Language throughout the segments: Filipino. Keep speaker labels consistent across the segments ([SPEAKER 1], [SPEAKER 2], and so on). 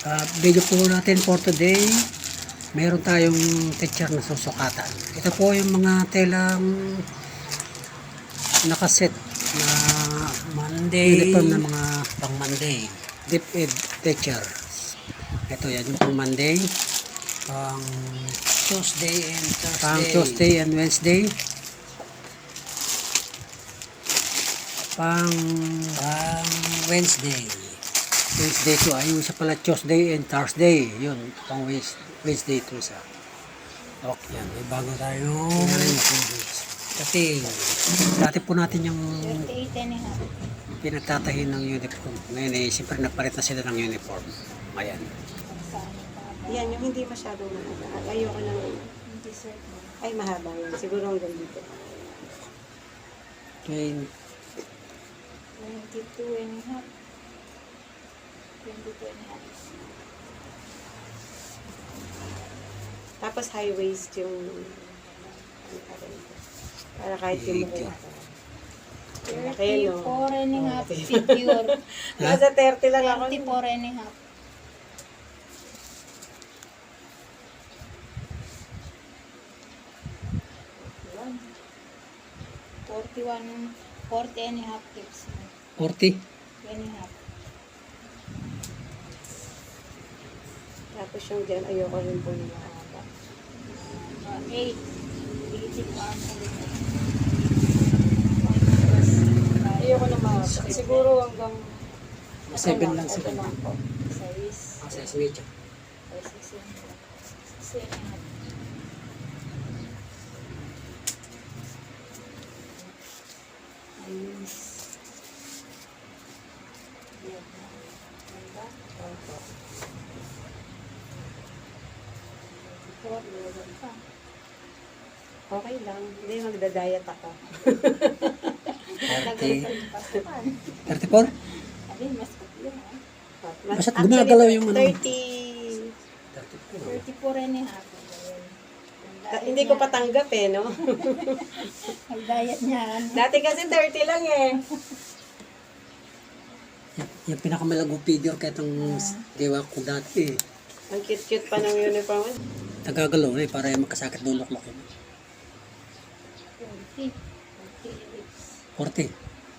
[SPEAKER 1] Video po natin for today. Meron tayong teacher na susukatan. Ito po yung mga telang nakaset na Monday, uniform na mga pang Monday. Deep Ed teacher. Ito yan yung pang Monday, pang Tuesday and Wednesday, pang Wednesday to ayun siya pala, Tuesday and Thursday, yun pang Wednesday to sa okay. Yan, may bago tayong cutting. Dati po natin yung pinagtatahin ng uniform. Ngayon eh, siyempre napalit na sila ng uniform. Ayan.
[SPEAKER 2] Yan, yung hindi masyadong mahaba. Ayoko lang. Ay, mahaba yan. Siguro hanggang dito.
[SPEAKER 1] 22
[SPEAKER 3] and a half. 22 and a half.
[SPEAKER 2] Tapos high waist yung para kahit yung mukha.
[SPEAKER 3] 34 and a half figure.
[SPEAKER 2] Nasa 30 lang ako.
[SPEAKER 3] 34 and a half. Yan. 40 and a half tips.
[SPEAKER 1] 40.
[SPEAKER 3] And a half.
[SPEAKER 2] Tapos yung dyan, ayoko rin po yung mahaba.
[SPEAKER 3] 8. 80 pa ang
[SPEAKER 2] Ayoko na mahaba. Siguro hanggang
[SPEAKER 1] 7 lang
[SPEAKER 2] ito
[SPEAKER 1] sila.
[SPEAKER 2] lang po.
[SPEAKER 3] size.
[SPEAKER 1] Sa switch.
[SPEAKER 3] 6 and a half.
[SPEAKER 2] Ayun.
[SPEAKER 3] Yan. Ganda.
[SPEAKER 2] Opo.
[SPEAKER 3] 4, meron pa.
[SPEAKER 2] Okay lang. Hindi, magda-diet ako.
[SPEAKER 3] Tagal pa yung pasukan.
[SPEAKER 1] 34?
[SPEAKER 3] Sabi, mas yun ah.
[SPEAKER 1] Basta't gumagalaw yung ano.
[SPEAKER 2] 30.
[SPEAKER 3] 34 and a half.
[SPEAKER 2] Hindi ko patanggap eh, no?
[SPEAKER 3] Ang diet niya.
[SPEAKER 2] Dati kasi 30 lang eh.
[SPEAKER 1] Yung pinakamalagong figure kaya itong dewa ko dati eh.
[SPEAKER 2] Ang cute-cute pa ng uniform.
[SPEAKER 1] Nagagalaw eh, para yung magkasakit dulok-lok.
[SPEAKER 3] 40.
[SPEAKER 1] 40.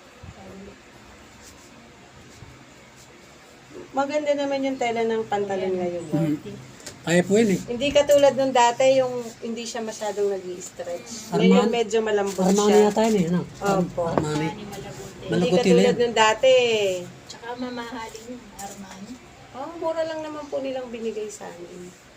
[SPEAKER 2] Maganda naman yung tela ng pantalon ngayon.
[SPEAKER 1] Kaya po yun eh.
[SPEAKER 2] Hindi katulad nung dati, yung hindi siya masyadong nag-i-stretch. Ngayon yung medyo malambot
[SPEAKER 1] Armani
[SPEAKER 2] siya.
[SPEAKER 1] yata yun eh. Ano?
[SPEAKER 2] Opo.
[SPEAKER 1] Armani.
[SPEAKER 2] Hindi
[SPEAKER 1] Malaguti
[SPEAKER 2] katulad
[SPEAKER 1] lang.
[SPEAKER 2] nung dati.
[SPEAKER 3] Tsaka mamahalin yung Armani.
[SPEAKER 2] Oh, mura lang naman po nilang binigay sa amin.